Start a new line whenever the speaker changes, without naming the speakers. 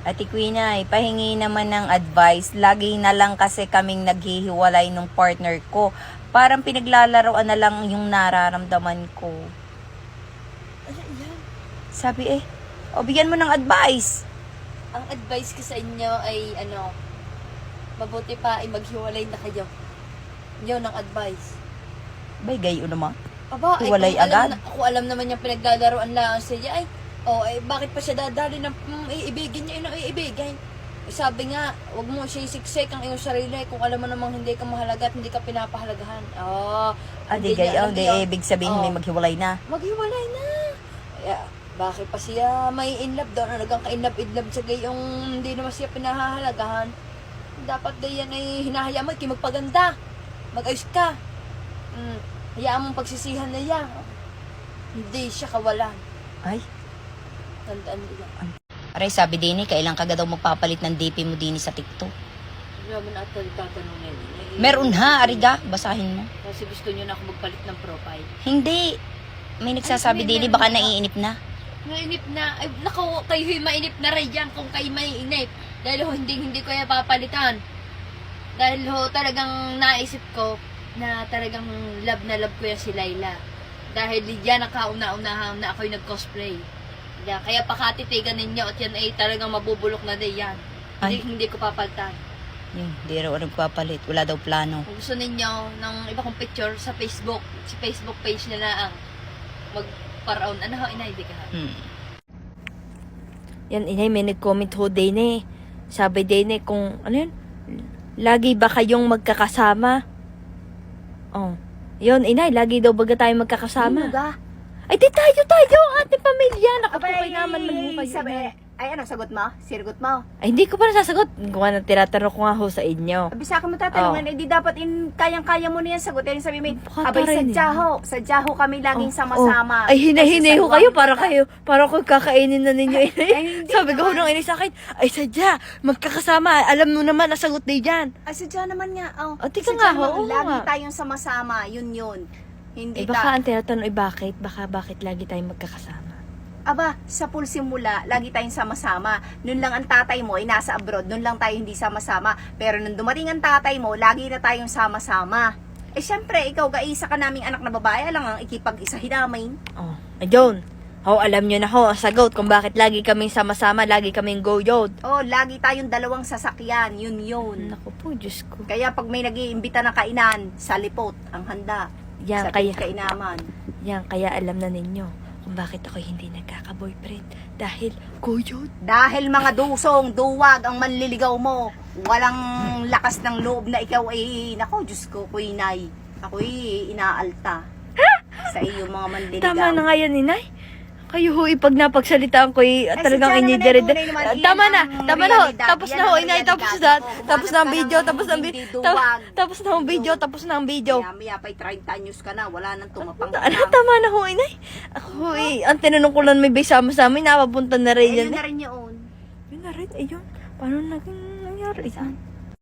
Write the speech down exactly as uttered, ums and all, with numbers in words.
Ate Quinay, pahingi naman ng advice. Lagi na lang kasi kaming naghihiwalay ng partner ko. Parang pinaglalaroan na lang yung nararamdaman ko.
Ano yan?
Sabi eh, o bigyan mo ng advice.
Ang advice ko sa inyo ay ano, mabuti pa ay maghiwalay na kayo. Yun ang advice.
Bay, gayo naman.
Aba, ay
Hiwalay
kung
agad?
alam, na, kung alam naman yung pinaglalaroan lang siya, ay, oh, ay, bakit pa siya dadali ng mm, iibigin niya, ino iibigin? Eh, sabi nga, wag mo siya isiksik ang iyong sarili kung alam mo namang hindi ka mahalaga at hindi ka pinapahalagahan. Oh,
Adi
hindi niya
gayo,
alam
di
yun.
ibig sabihin
Oh.
may maghiwalay na.
Maghiwalay na. Kaya, bakit pa siya may in love doon? Halagang ka-in-love-in-love siya gayong hindi naman siya pinahahalagahan. Dapat gayan ay hinahayaan mo, ikay magpaganda. Mag-ayos ka. Mm, hayaan mong pagsisihan na yan. Hindi siya kawalan.
Ay,
Tandaan mo yan.
aray sabi din eh, kailan ka daw magpapalit ng D P mo din sa TikTok.
Hindi naman ata tatanungin. Eh,
Meron ha, ariga, basahin mo.
Kasi gusto niyo na ako magpalit ng profile.
Hindi. May nagsasabi
Ay,
din eh,
meron
baka
na.
naiinip na.
Mainip na. Ay, naku, kayo'y mainip na rin dyan kung kayo mainip. Dahil ho, hindi, hindi ko yan papalitan. Dahil ho, talagang naisip ko na talagang love na love ko yan si Layla. Dahil diyan nakauna-unahan na ako'y nag-cosplay. Kaya, kaya pakatitigan ninyo at yan ay talagang mabubulok na din yan.
Ay.
Hindi, hindi ko papalitan.
Yun, di raw nagpapalit. Wala daw plano.
Kung gusto ninyo ng iba kong picture sa Facebook, sa Facebook page na lang, magparaon. Ano ho, inay, di ka ha?
Hmm.
Yan, inay, may nag-comment ho din eh. Sabi din eh, kung, ano yun? Lagi ba kayong magkakasama? Oh. Yun, inay, lagi daw baga tayo magkakasama.
ga?
Ay, di tayo, tayo, ang ating pamilya. Naku, po
Abay,
kayo naman man ho kayo.
sabi,
inay.
ay ano, sagot mo? Sirgot mo?
Ay, hindi ko pa nasasagot. Kung ano, tinatanong ko nga ho sa inyo.
Abi sa akin mo tatanungan, eh di dapat in, kayang-kaya mo na yan sagutin. Sabi mo,
Baka
abay,
tayo rin
sadya
eh.
ho, sadya ho kami laging
Oh,
sama-sama.
oh. Ay, hinahinay
Kasi
ho
sa
kayo
luwang
para
kita.
kayo. Para ko kakainin na ninyo, inay.
Ay, hindi
Sabi ko ho
naman.
nung inay sa akin, ay, sadya, magkakasama. Alam mo naman, nasagot na dyan.
Ay, sadya naman nga. Oh,
Oh, tika
sadya
nga ho,
naman,
oo
lagi
nga.
tayong sama-sama, yun yun.
Eh,
Hindi
baka
ta.
ang tinatanong, eh, bakit? Baka bakit lagi tayong magkakasama?
Aba, sa pool simula, lagi tayong sama-sama. Noon lang ang tatay mo ay nasa abroad, noon lang tayo hindi sama-sama. Pero nung dumating ang tatay mo, lagi na tayong sama-sama. Eh syempre, ikaw ga-isa ka naming anak na babae, alang ang ikipag-isa hinamay.
Oh, ayun. Ho, alam nyo na ho, ang sagot kung bakit lagi kaming sama-sama, lagi kaming go-yod.
Oh, lagi tayong dalawang sasakyan, yun yun.
Naku po, Diyos ko.
Kaya pag may nag-iimbita ng kainan, sa lipot, ang handa.
Yan,
sa
kaya,
kainaman.
yan, kaya alam na ninyo kung bakit ako hindi nagkaka-boyfriend. Dahil go-yod.
Dahil mga dusong, duwag ang manliligaw mo. Walang lakas ng loob na ikaw ay, nako, Diyos ko, kuinay. Ako'y inaalta. Sa iyo mga manliligaw.
Tama na nga yan, inay. Kayo ho, ipag napagsalitaan ko, eh,
Ay,
talagang
sadya naman
inidere.
ay tunay naman. Iyan
Tama na,
ang
tama na ho.
realidad.
Tapos
Yan
na ho,
ang
inay, tapos
realidad.
na.
Oo,
Tapos na ang
umagas ka
video,
ng
tapos na ang
hindi
video.
duwag.
Tapos na ang video, tapos na ang video.
Kaya maya pa'y thirty anyos ka na, wala nang tumapang
Ano, tama na ho, inay. Ako, eh, ang tinanong ko lang may bay sama-sama, napapunta na rin yan.
Ayun
eh.
na rin yun.
Yun na rin, ayun. Paano naging nangyari yan?